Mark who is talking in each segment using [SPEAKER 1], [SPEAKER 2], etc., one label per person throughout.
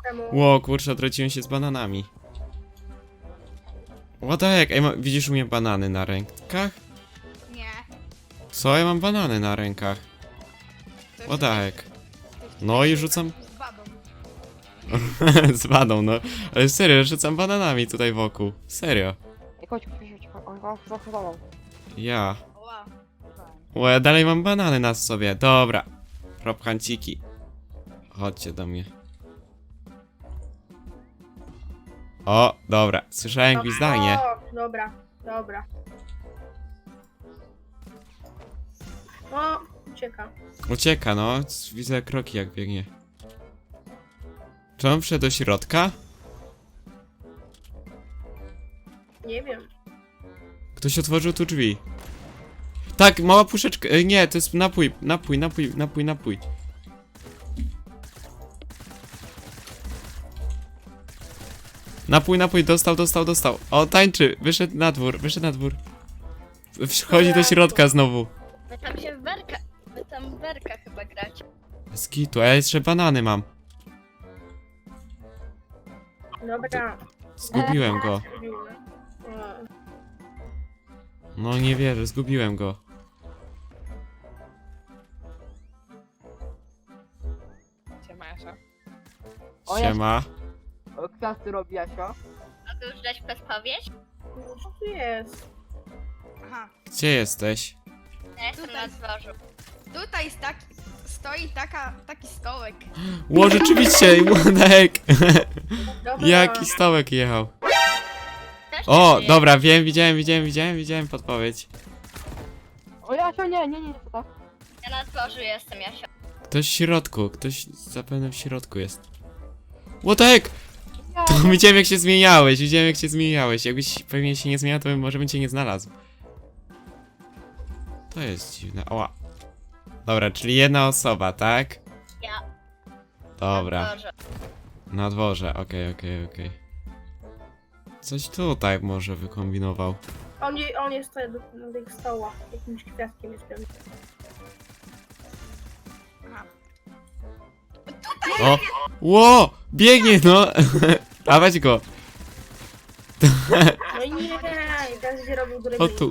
[SPEAKER 1] Ło, kurczę, odrodziłem się z bananami. What the heck? Ej, widzisz u mnie banany na rękach?
[SPEAKER 2] Nie.
[SPEAKER 1] Co? Ja mam banany na rękach.
[SPEAKER 2] To
[SPEAKER 1] What the heck?
[SPEAKER 2] ty
[SPEAKER 1] No i rzucam...
[SPEAKER 2] z badą.
[SPEAKER 1] z badą, no. Ale serio, rzucam bananami tutaj wokół. Serio.
[SPEAKER 3] Ej, chodź, on go zachował.
[SPEAKER 1] Ja.
[SPEAKER 2] Oła.
[SPEAKER 1] Ło, ja dalej mam banany na sobie. Dobra. Propchanciki. Chodźcie do mnie. O, dobra. Słyszałem gwizdanie.
[SPEAKER 4] O, dobra, dobra. O, ucieka.
[SPEAKER 1] Ucieka, no. Widzę kroki, jak biegnie. Czy on wszedł do środka?
[SPEAKER 4] Nie wiem.
[SPEAKER 1] Ktoś otworzył tu drzwi. Tak, mała puszeczka. Nie, to jest napój. Napój. Napój, dostał. O, tańczy. Wyszedł na dwór. Wchodzi do środka znowu.
[SPEAKER 5] Wy tam w berka chyba gracie.
[SPEAKER 1] Z kitu, a ja jeszcze banany mam.
[SPEAKER 4] Dobra.
[SPEAKER 1] Zgubiłem go.
[SPEAKER 4] O,
[SPEAKER 1] No nie wierzę, zgubiłem go.
[SPEAKER 2] Siema, Jasza.
[SPEAKER 3] O, ja-
[SPEAKER 1] Siema.
[SPEAKER 3] O, kwiaty robi Jasio.
[SPEAKER 5] A ty już dać podpowiedź?
[SPEAKER 4] co tu jest?
[SPEAKER 2] Aha.
[SPEAKER 1] Gdzie jesteś?
[SPEAKER 5] Ja jestem
[SPEAKER 2] Tutaj.
[SPEAKER 5] na dworzu.
[SPEAKER 2] Tutaj stoi taki stołek.
[SPEAKER 1] Ło, rzeczywiście, what the heck?
[SPEAKER 4] Dobra.
[SPEAKER 1] Jaki stołek jechał?
[SPEAKER 5] Też
[SPEAKER 1] O,
[SPEAKER 5] nie
[SPEAKER 1] dobra, wiem, widziałem podpowiedź.
[SPEAKER 3] O, Jasio, nie, to tak.
[SPEAKER 5] Ja na dworzu jestem, Jasio.
[SPEAKER 1] Ktoś w środku, ktoś zapewne w środku jest. What the heck?
[SPEAKER 3] Nie,
[SPEAKER 1] To widziałem jak się zmieniałeś, jakbyś pewnie się nie zmieniał, to może bym cię nie znalazł. To jest dziwne, oła. Dobra, czyli jedna osoba, tak?
[SPEAKER 5] Ja.
[SPEAKER 1] Dobra,
[SPEAKER 5] Na dworze.
[SPEAKER 1] na dworze, okej. Coś tutaj może wykombinował.
[SPEAKER 4] On jest tutaj na tych stołach. Jakimś kwiatkiem jest pewnie.
[SPEAKER 2] Aha.
[SPEAKER 1] O! Ło! Biegnie, no! Dawać go!
[SPEAKER 4] No i nie, teraz się robił góry.
[SPEAKER 1] O tu.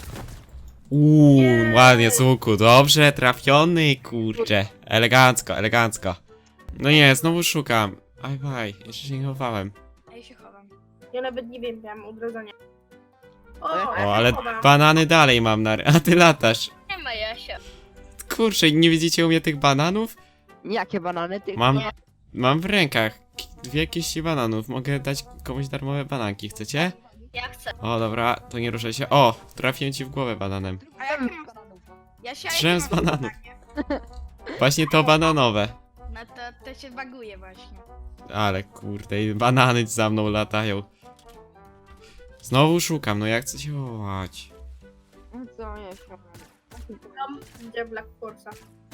[SPEAKER 4] Nie.
[SPEAKER 1] Ładnie z łuku, dobrze trafiony, kurczę. Elegancko. No nie, znowu szukam. Aj, jeszcze się nie chowałem.
[SPEAKER 2] A ja się chowam.
[SPEAKER 4] Ja nawet nie wiem, miałam odrodzenie. O,
[SPEAKER 1] O,
[SPEAKER 4] ja
[SPEAKER 1] ale
[SPEAKER 4] się chowam.
[SPEAKER 1] banany dalej mam a ty latasz.
[SPEAKER 5] Nie ma Jasio.
[SPEAKER 1] Kurczę, nie widzicie u mnie tych bananów?
[SPEAKER 3] Jakie banany, ty?
[SPEAKER 1] Mam w rękach 2 kiści bananów. Mogę dać komuś darmowe bananki, chcecie?
[SPEAKER 5] Ja chcę.
[SPEAKER 1] O, dobra, to nie ruszaj się. O, trafiłem ci w głowę bananem.
[SPEAKER 2] A jakie mam... Jasia,
[SPEAKER 1] Drzem
[SPEAKER 2] jakie
[SPEAKER 1] z
[SPEAKER 2] mam
[SPEAKER 1] bananów.
[SPEAKER 2] zadanie?
[SPEAKER 1] Właśnie to bananowe.
[SPEAKER 2] No to się baguje właśnie.
[SPEAKER 1] Ale kurde, i banany za mną latają. Znowu szukam, no jak chcę się wołać.
[SPEAKER 3] No co, Jasio?
[SPEAKER 4] Tam gdzie Black Force'a.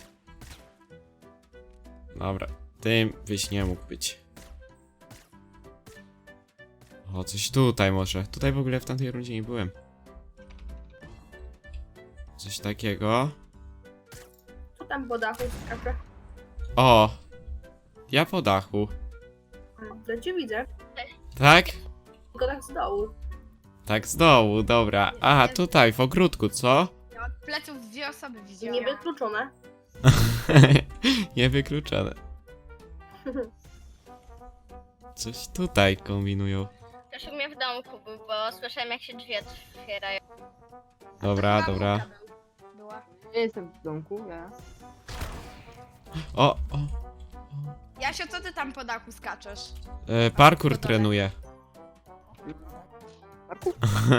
[SPEAKER 1] Dobra, tym byś nie mógł być. O, coś tutaj może. Tutaj w ogóle w tamtej rundzie nie byłem. Coś takiego.
[SPEAKER 4] Co tam po dachu skacze?
[SPEAKER 1] O! Ja po dachu.
[SPEAKER 4] To cię widzę.
[SPEAKER 1] Tak?
[SPEAKER 4] Tylko tak z dołu.
[SPEAKER 1] Tak z dołu, dobra. Aha, tutaj, w ogródku, co?
[SPEAKER 2] Ja od pleców 2 osoby widziałam.
[SPEAKER 4] Niewykluczone.
[SPEAKER 1] Niewykluczone. Coś tutaj kombinują.
[SPEAKER 5] Też u mnie w domku był, bo słyszałem jak się drzwi otwierają.
[SPEAKER 1] Dobra.
[SPEAKER 2] Była.
[SPEAKER 3] Ja jestem w domku, ja.
[SPEAKER 1] O!
[SPEAKER 2] Jasio, co ty tam po dachu skaczesz?
[SPEAKER 1] Parkour trenuję.
[SPEAKER 3] Parku?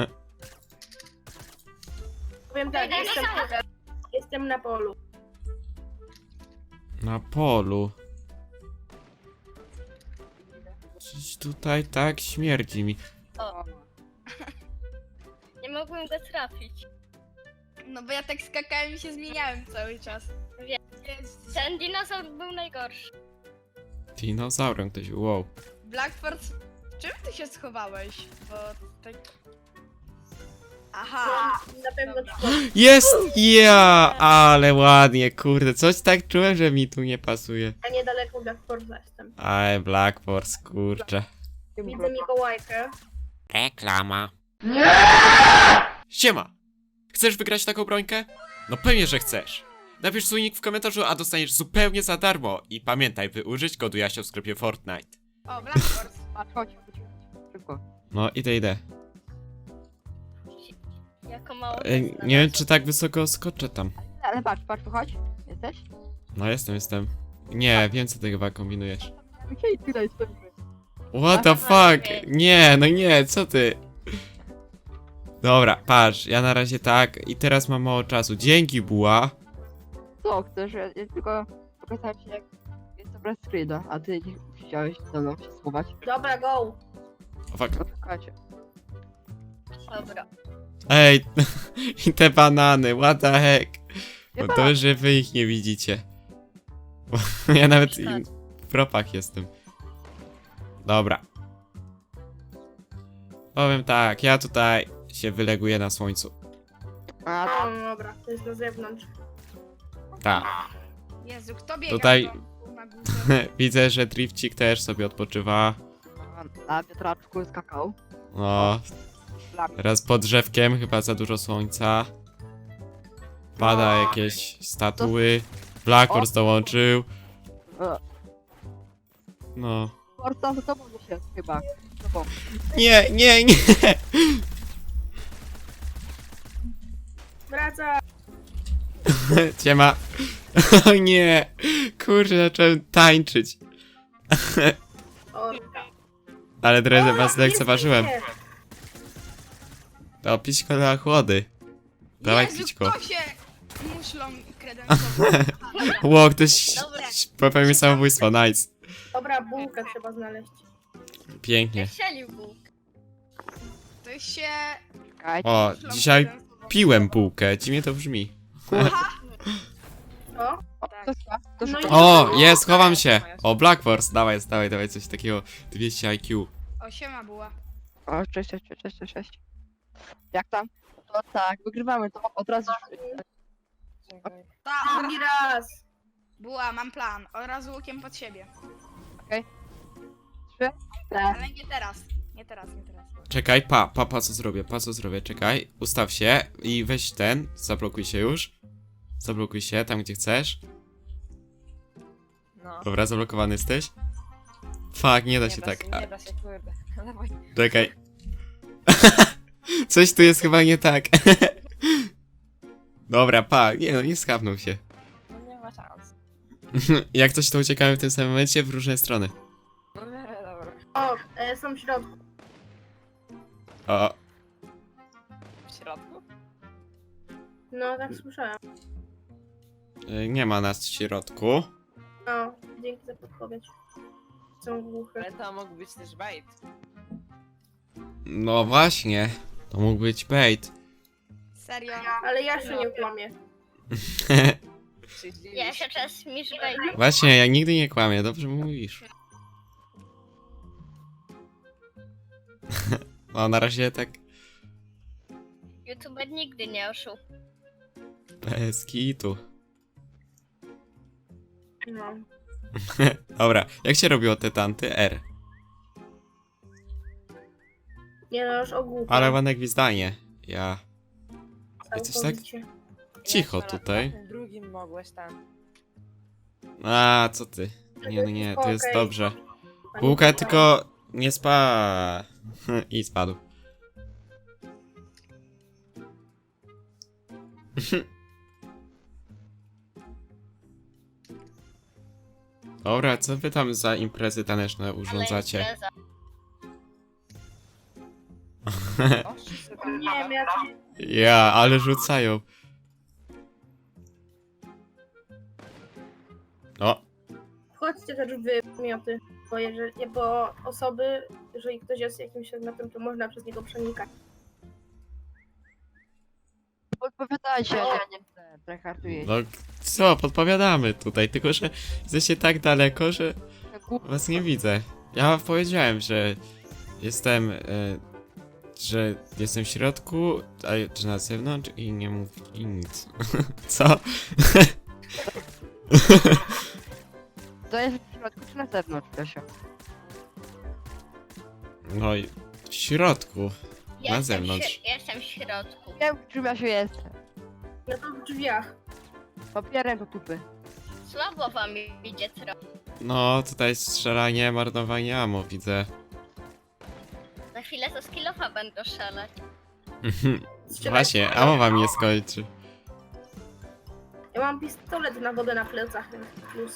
[SPEAKER 4] Powiem tak, jestem na polu.
[SPEAKER 1] Na polu. Coś tutaj tak śmierdzi mi.
[SPEAKER 5] Nie mogłem go trafić.
[SPEAKER 2] No bo ja tak skakałem i się zmieniałem cały czas.
[SPEAKER 5] Wiem.
[SPEAKER 2] Jest...
[SPEAKER 5] Ten dinozaur był najgorszy.
[SPEAKER 1] Dinozaurem ktoś, wow.
[SPEAKER 2] Blackford, w czym ty się schowałeś? Bo tak... Aha.
[SPEAKER 4] Na pewno ci
[SPEAKER 1] Jest! Ja! Ale ładnie, kurde. Coś tak czułem, że mi tu nie pasuje.
[SPEAKER 4] a niedaleko Black Forza jestem.
[SPEAKER 1] Aj, Black Force, kurczę.
[SPEAKER 4] Widzę Mikołajkę.
[SPEAKER 1] Reklama. Siema! Chcesz wygrać taką brońkę? No pewnie, że chcesz. Napisz swój nick w komentarzu, a dostaniesz zupełnie za darmo. I pamiętaj, by użyć kodu Jasio w sklepie Fortnite.
[SPEAKER 2] O, Black Force.
[SPEAKER 3] Patrz, chodź. Szybko.
[SPEAKER 1] No, idę.
[SPEAKER 5] Jako mało.
[SPEAKER 1] Nie wiem, czy tak wysoko skoczę tam.
[SPEAKER 3] Ale patrz, tu chodź. Jesteś?
[SPEAKER 1] No, jestem. Nie, wiem, co ty chyba kombinujesz.
[SPEAKER 3] Okej, tutaj stoimy.
[SPEAKER 1] What the fuck? Nie, no nie, co ty? Dobra, patrz, ja na razie tak i teraz mam mało czasu. Dzięki, buła.
[SPEAKER 3] Co chcesz? Ja tylko pokazałem ci jak jest to bez screena, a ty nie chciałeś ze mną się schować.
[SPEAKER 4] Dobra, go.
[SPEAKER 1] O, fuck.
[SPEAKER 3] Czekajcie.
[SPEAKER 5] Dobra.
[SPEAKER 1] Ej, i te banany, what the heck?
[SPEAKER 3] Nie
[SPEAKER 1] No to, że wy ich nie widzicie. Bo ja nawet w propach jestem. Dobra. Powiem tak, ja tutaj się wyleguję na słońcu.
[SPEAKER 3] A
[SPEAKER 4] No, dobra, to jest na zewnątrz.
[SPEAKER 1] Tak.
[SPEAKER 2] Jezu, kto biega
[SPEAKER 1] Tutaj-
[SPEAKER 2] na górze?
[SPEAKER 1] Widzę, że Drifcik też sobie odpoczywa.
[SPEAKER 3] na wiatraczku skakał.
[SPEAKER 1] No, teraz pod drzewkiem, chyba za dużo słońca. Pada jakieś statuły. Black Horse dołączył.
[SPEAKER 3] E,
[SPEAKER 1] No.
[SPEAKER 3] Forza za tobą się chyba. Z tobą.
[SPEAKER 1] Nie.
[SPEAKER 4] Wraca.
[SPEAKER 1] Ciema. O nie. Kurczę, zacząłem tańczyć.
[SPEAKER 4] O,
[SPEAKER 1] Ale trochę was
[SPEAKER 4] jest,
[SPEAKER 1] lekceważyłem.
[SPEAKER 4] jest.
[SPEAKER 1] To pićko dla chłody. Dawaj
[SPEAKER 2] Jezu,
[SPEAKER 1] pićko.
[SPEAKER 2] kto się muszlą kredensował?
[SPEAKER 1] Ło, ktoś
[SPEAKER 5] Dobra.
[SPEAKER 1] popełnił samobójstwo, nice.
[SPEAKER 4] Dobra, bułkę trzeba znaleźć.
[SPEAKER 1] Pięknie.
[SPEAKER 5] Strzelił Bóg.
[SPEAKER 2] To się...
[SPEAKER 3] Czekajcie.
[SPEAKER 1] O,
[SPEAKER 2] muszlą
[SPEAKER 1] dzisiaj
[SPEAKER 2] kredensował.
[SPEAKER 1] piłem bułkę, dziwnie to brzmi.
[SPEAKER 4] O,
[SPEAKER 3] O, to szła, to
[SPEAKER 4] No
[SPEAKER 3] szła.
[SPEAKER 4] i-
[SPEAKER 1] O, jest, chowam się. O, Black Force, dawaj, coś takiego. 200 IQ.
[SPEAKER 2] O, siema była.
[SPEAKER 3] O, cześć. Jak tam? To tak, wygrywamy to od razu.
[SPEAKER 2] Ta,
[SPEAKER 4] drugi raz.
[SPEAKER 2] była, mam plan. Od razu łukiem pod siebie.
[SPEAKER 3] 3, 4.
[SPEAKER 2] Ale nie teraz. Nie teraz.
[SPEAKER 1] Czekaj, co zrobię, czekaj. Ustaw się i weź ten, zablokuj się już. Zablokuj się tam, gdzie chcesz.
[SPEAKER 6] No.
[SPEAKER 1] Dobra, zablokowany jesteś. Fuck, nie da się tak.
[SPEAKER 6] Nie da się, kurde. Dawaj.
[SPEAKER 1] Czekaj. Coś tu jest chyba nie tak. Dobra, nie skapnął się.
[SPEAKER 6] No nie ma szans.
[SPEAKER 1] Jak coś to uciekamy w tym samym momencie w różne strony.
[SPEAKER 6] No nie, dobra.
[SPEAKER 4] O, są w środku.
[SPEAKER 1] O,
[SPEAKER 6] W środku?
[SPEAKER 4] No, tak słyszałem.
[SPEAKER 1] nie ma nas w środku.
[SPEAKER 4] No, dzięki za podpowiedź. Są głuche.
[SPEAKER 6] Ale to mógł być też bait.
[SPEAKER 1] No właśnie, to mógł być bait.
[SPEAKER 2] Serio.
[SPEAKER 4] Ale ja się nie kłamię.
[SPEAKER 6] Się zdziwisz.
[SPEAKER 5] Ja się czas mi żbej.
[SPEAKER 1] Właśnie, ja nigdy nie kłamię, dobrze mówisz. No, na razie tak
[SPEAKER 5] YouTuber nigdy nie oszuł.
[SPEAKER 1] bez kitu.
[SPEAKER 4] No.
[SPEAKER 1] Dobra, jak się robiło te tanty? R.
[SPEAKER 4] Nie no, już ogłupiam.
[SPEAKER 1] Ale ładne gwizdanie. Ja. coś tak?
[SPEAKER 4] Całkowicie.
[SPEAKER 1] Cicho
[SPEAKER 6] Jeszcze
[SPEAKER 1] tutaj.
[SPEAKER 6] Na tym drugim mogłeś tam.
[SPEAKER 1] A, co ty? Nie, to jest
[SPEAKER 4] Okej.
[SPEAKER 1] dobrze.
[SPEAKER 4] Pani
[SPEAKER 1] Bułka
[SPEAKER 4] Mikołaj.
[SPEAKER 1] tylko nie spa. I spadł. Dobra, co wy tam za imprezy taneczne
[SPEAKER 5] Ale
[SPEAKER 1] urządzacie?
[SPEAKER 5] impreza.
[SPEAKER 6] O, wszyscy
[SPEAKER 4] O
[SPEAKER 6] tam
[SPEAKER 4] nie wiem, ja
[SPEAKER 1] Ja, ale rzucają. O,
[SPEAKER 4] wchodźcie też w mioty. Bo osoby, jeżeli ktoś jest jakimś segmentem, to można przez niego przenikać.
[SPEAKER 3] Podpowiadajcie, ja nie chcę. Tryharduję.
[SPEAKER 1] no co, podpowiadamy tutaj, tylko że jesteście tak daleko, że was nie widzę. Ja powiedziałem, że jestem że jestem w środku, a czy na zewnątrz i nie mów i nic. Co?
[SPEAKER 3] To jest w środku czy na zewnątrz, Kasia?
[SPEAKER 1] No i w środku. Na
[SPEAKER 5] Jestem
[SPEAKER 1] zewnątrz.
[SPEAKER 5] Jestem w środku.
[SPEAKER 3] Wiem, czym ja się jestem.
[SPEAKER 4] Ja to w drzwiach.
[SPEAKER 3] Papierem do tupy.
[SPEAKER 5] Słabo wam idzie trochę.
[SPEAKER 1] No, tutaj strzelanie, marnowanie ammo widzę.
[SPEAKER 5] Za chwilę to skillowa będę szaleć.
[SPEAKER 1] Właśnie, ammo wam nie skończy.
[SPEAKER 4] Ja mam pistolet na wodę na plecach, więc plus.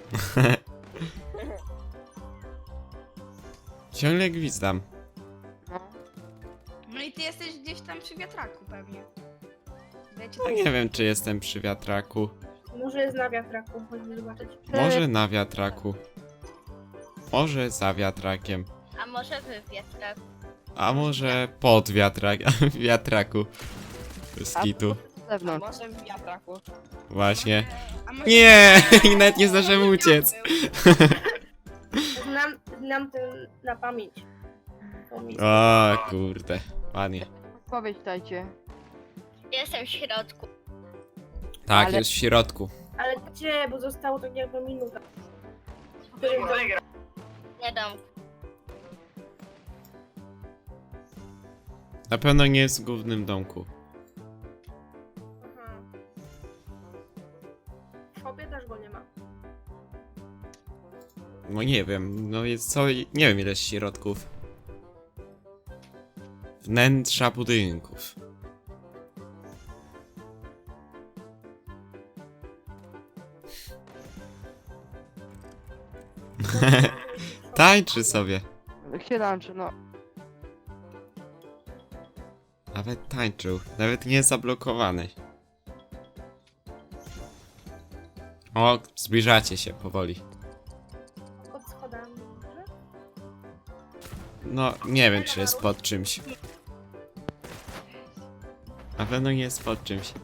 [SPEAKER 1] Ciągle gwizdam.
[SPEAKER 3] No.
[SPEAKER 2] No i ty jesteś gdzieś tam przy wiatraku pewnie. Wiecie,
[SPEAKER 1] No nie wiem, czy jestem przy wiatraku.
[SPEAKER 4] Może jest na wiatraku, chodźmy zobaczyć.
[SPEAKER 1] Może na wiatraku. Może za wiatrakiem.
[SPEAKER 5] A może wy wiatrak?
[SPEAKER 1] A może pod wiatraku. Z
[SPEAKER 3] A
[SPEAKER 1] kitu.
[SPEAKER 3] na
[SPEAKER 6] A
[SPEAKER 3] zewnątrz.
[SPEAKER 6] może w wiatraku.
[SPEAKER 1] Właśnie.
[SPEAKER 2] A może-
[SPEAKER 1] Nie! I nawet nie zdążyłem uciec.
[SPEAKER 4] Znam ten na pamięć. To mi-
[SPEAKER 1] O kurde. Ładnie.
[SPEAKER 3] Odpowiedź dajcie.
[SPEAKER 5] Jestem w środku.
[SPEAKER 1] Tak,
[SPEAKER 3] Ale-
[SPEAKER 1] jest w środku.
[SPEAKER 4] Ale gdzie? Bo zostało tak jakby minuta.
[SPEAKER 5] Nie dam.
[SPEAKER 1] Na pewno nie jest w głównym domku.
[SPEAKER 4] Aha. W szopie też go nie ma.
[SPEAKER 1] No nie wiem, no jest co. Nie wiem ile jest środków. Wnętrza budynków. Tańczy sobie.
[SPEAKER 3] Jak się łączy, no.
[SPEAKER 1] Nawet tańczył. Nawet nie jest zablokowany. O, zbliżacie się powoli.
[SPEAKER 4] Pod schodami może?
[SPEAKER 1] No, nie wiem czy jest pod czymś. Na pewno nie jest pod czymś.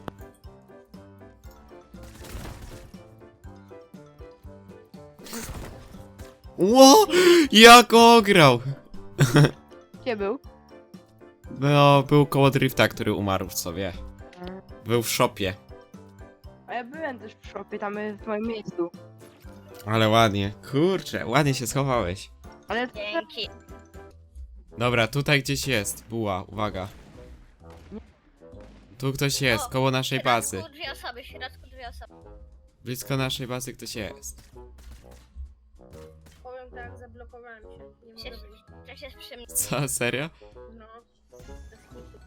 [SPEAKER 1] Ło! Jak ograł!
[SPEAKER 3] Gdzie był?
[SPEAKER 1] No, był koło drifta, który umarł sobie. Był w shopie.
[SPEAKER 3] A ja byłem też w szopie, tam w moim miejscu.
[SPEAKER 1] Ale ładnie. Kurczę, ładnie się schowałeś.
[SPEAKER 3] Ale
[SPEAKER 5] Dzięki.
[SPEAKER 1] Dobra, tutaj gdzieś jest. Buła, uwaga. Tu ktoś jest,
[SPEAKER 5] O,
[SPEAKER 1] koło naszej
[SPEAKER 5] W środku
[SPEAKER 1] bazy.
[SPEAKER 5] dwie osoby, w środku dwie osoby.
[SPEAKER 1] Blisko naszej bazy ktoś jest.
[SPEAKER 4] Powiem tak, zablokowałem się. Nie mogę
[SPEAKER 5] Przecież,
[SPEAKER 4] wyjść.
[SPEAKER 5] przecież jest przy mnie.
[SPEAKER 1] Co, serio?
[SPEAKER 4] No. Bez kitu.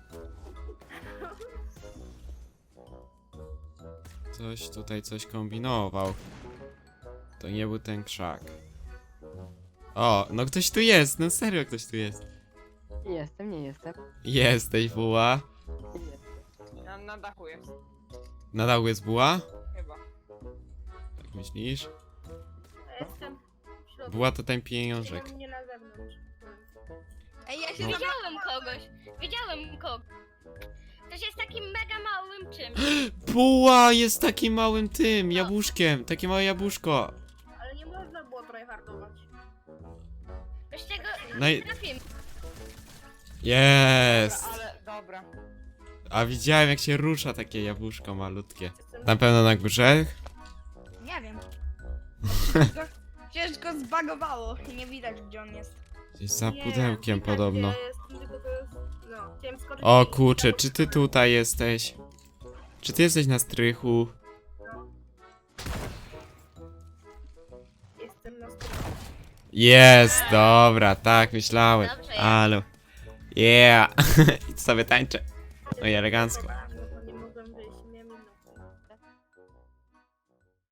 [SPEAKER 1] Ktoś tutaj coś kombinował. To nie był ten krzak. O, no ktoś tu jest, no serio ktoś tu jest.
[SPEAKER 3] nie jestem, nie jestem.
[SPEAKER 1] Jesteś buła.
[SPEAKER 3] Nie jestem.
[SPEAKER 6] Na dachu jest.
[SPEAKER 1] Na dachu jest buła?
[SPEAKER 6] Chyba.
[SPEAKER 1] Tak myślisz?
[SPEAKER 4] Ja jestem w środku.
[SPEAKER 1] Buła to ten pieniążek.
[SPEAKER 4] Nie na zewnątrz.
[SPEAKER 2] Ej, ja się
[SPEAKER 1] No.
[SPEAKER 5] Widziałem kogoś. Widziałem kogoś. Ktoś jest takim mega małym czymś.
[SPEAKER 1] Buła jest takim małym tym, jabłuszkiem. Takie małe jabłuszko.
[SPEAKER 4] Ale nie można było tryhardować.
[SPEAKER 5] Wiesz czego?
[SPEAKER 1] No i-
[SPEAKER 5] Trafimy.
[SPEAKER 1] Jest.
[SPEAKER 6] Ale dobra.
[SPEAKER 1] A widziałem jak się rusza takie jabłuszko malutkie.
[SPEAKER 4] Jestem
[SPEAKER 1] Na pewno na górze?
[SPEAKER 2] Nie wiem. Przecież go zbagowało i nie widać gdzie on jest.
[SPEAKER 1] Gdzieś za
[SPEAKER 4] Nie,
[SPEAKER 1] pudełkiem
[SPEAKER 4] widać,
[SPEAKER 1] podobno.
[SPEAKER 4] gdzie jestem, tylko to jest... No, chciałem skoczyć
[SPEAKER 1] O
[SPEAKER 4] i-
[SPEAKER 1] kurczę, czy ty tutaj jesteś? Czy ty jesteś na strychu?
[SPEAKER 4] Jestem na stronę.
[SPEAKER 1] Jest, dobra, tak myślałem.
[SPEAKER 5] Dobrze, ja.
[SPEAKER 1] Ale. Yeah! I sobie tańczę. No i elegancko.
[SPEAKER 4] No to nie mogłem wyjść, miałem inną.